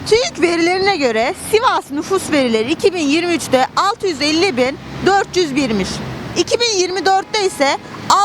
TÜİK verilerine göre Sivas nüfus verileri 2023'te 650.401'miş. 2024'te ise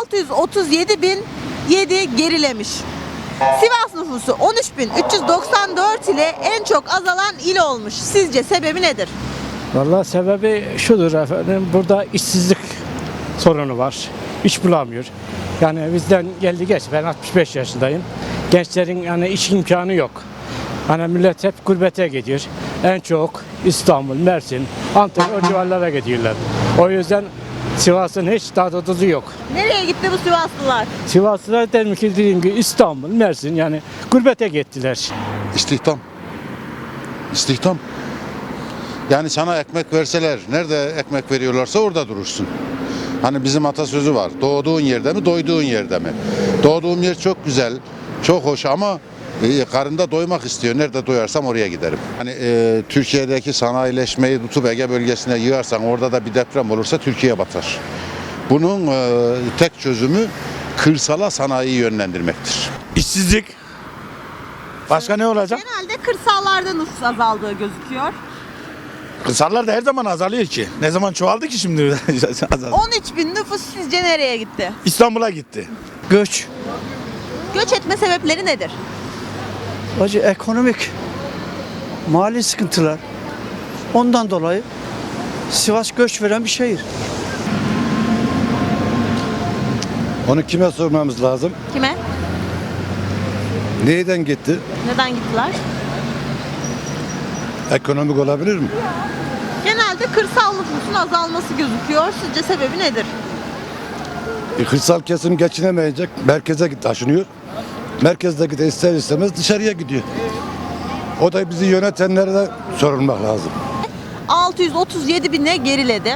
637.007 gerilemiş. Sivas nüfusu 13.394 ile en çok azalan il olmuş. Sizce sebebi nedir? Vallahi sebebi şudur efendim, burada işsizlik sorunu var. İş bulamıyor. Yani bizden geldi geç, ben 65 yaşındayım. Gençlerin yani iş imkanı yok. Hani millet hep gurbete gidiyor. En çok İstanbul, Mersin, Antalya o civarlara gidiyorlar. O yüzden Sivas'ın hiç tadı tuzu yok. Nereye gitti bu Sivaslılar? Sivaslılar demiş ki dediğim gibi İstanbul, Mersin yani gurbete gittiler. İstihdam. İstihdam. Yani sana ekmek verseler, nerede ekmek veriyorlarsa orada durursun. Hani bizim atasözü var. Doğduğun yerde mi, doyduğun yerde mi? Doğduğum yer çok güzel, çok hoş ama karında doymak istiyor. Nerede doyarsam oraya giderim. Hani Türkiye'deki sanayileşmeyi tutup Ege bölgesine yığarsan, orada da bir deprem olursa Türkiye batar. Bunun tek çözümü kırsala sanayiyi yönlendirmektir. İşsizlik. Başka ne olacak? Genelde kırsallarda nüfus azaldığı gözüküyor. Kırsallarda her zaman azalıyor ki. Ne zaman çoğaldı ki şimdi? 13.000 nüfus sizce nereye gitti? İstanbul'a gitti. Göç, Göç etme sebepleri nedir? acı ekonomik, mali sıkıntılar. Ondan dolayı Sivas göç veren bir şehir. Onu kime sormamız lazım? Kime? Neyden gitti? Neden gittiler? Ekonomik olabilir mi? Genelde kırsal nüfusun azalması gözüküyor. Sizce sebebi nedir? Kırsal kesim geçinemeyecek, merkeze taşınıyor. Merkezdeki de ister istemez dışarıya gidiyor. O da bizi yönetenlere sorulmak lazım. 637.000'e geriledi.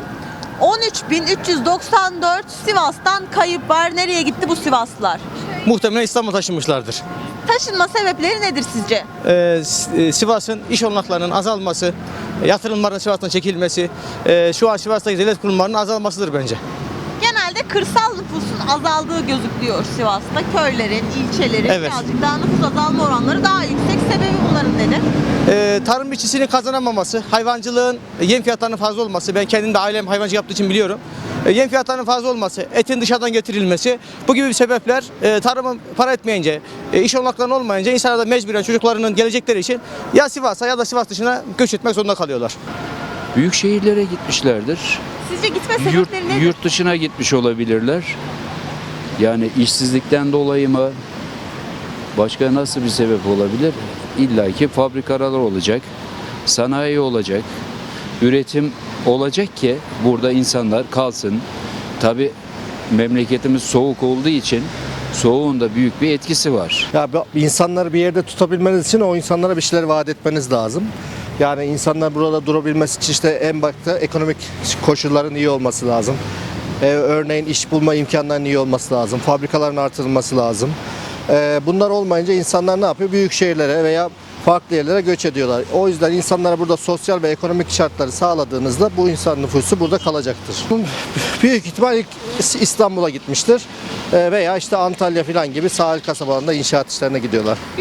13.394 Sivas'tan kayıp var. Nereye gitti bu Sivaslılar? Muhtemelen İstanbul'a taşınmışlardır. Taşınma sebepleri nedir sizce? Sivas'ın iş olanaklarının azalması, yatırımların Sivas'tan çekilmesi, şu an Sivas'taki devlet kurumlarının azalmasıdır bence. Genelde kırsal nüfusun azaldığı gözüküyor Sivas'ta. Köylerin, ilçelerin Evet. birazcık daha nüfus azalma oranları daha yüksek. Sebebi bunların nedir? Tarım işçisinin kazanamaması, hayvancılığın yem fiyatlarının fazla olması, ben kendim de ailem hayvancı yaptığı için biliyorum. Yem fiyatlarının fazla olması, etin dışarıdan getirilmesi, bu gibi sebepler tarımın para etmeyince, iş olanaklarının olmayınca insanlar da mecburen çocuklarının gelecekleri için ya Sivas'a ya da Sivas dışına göç etmek zorunda kalıyorlar. Büyük şehirlere gitmişlerdir. Sizce gitme sebepleri nedir? Yurt dışına gitmiş olabilirler. Yani işsizlikten dolayı mı? Başka nasıl bir sebep olabilir? İlla ki fabrikalar olacak, sanayi olacak, üretim olacak ki burada insanlar kalsın. Tabii memleketimiz soğuk olduğu için soğuğun da büyük bir etkisi var. Ya insanları bir yerde tutabilmeniz için o insanlara bir şeyler vaat etmeniz lazım. Yani insanlar burada durabilmesi için işte en başta ekonomik koşulların iyi olması lazım. Örneğin iş bulma imkanlarının iyi olması lazım. Fabrikaların artırılması lazım. Bunlar olmayınca insanlar ne yapıyor? Büyük şehirlere veya farklı yerlere göç ediyorlar. O yüzden insanlara burada sosyal ve ekonomik şartları sağladığınızda bu insan nüfusu burada kalacaktır. Büyük ihtimal ilk İstanbul'a gitmiştir veya işte Antalya falan gibi sahil kasabalarında inşaat işlerine gidiyorlar.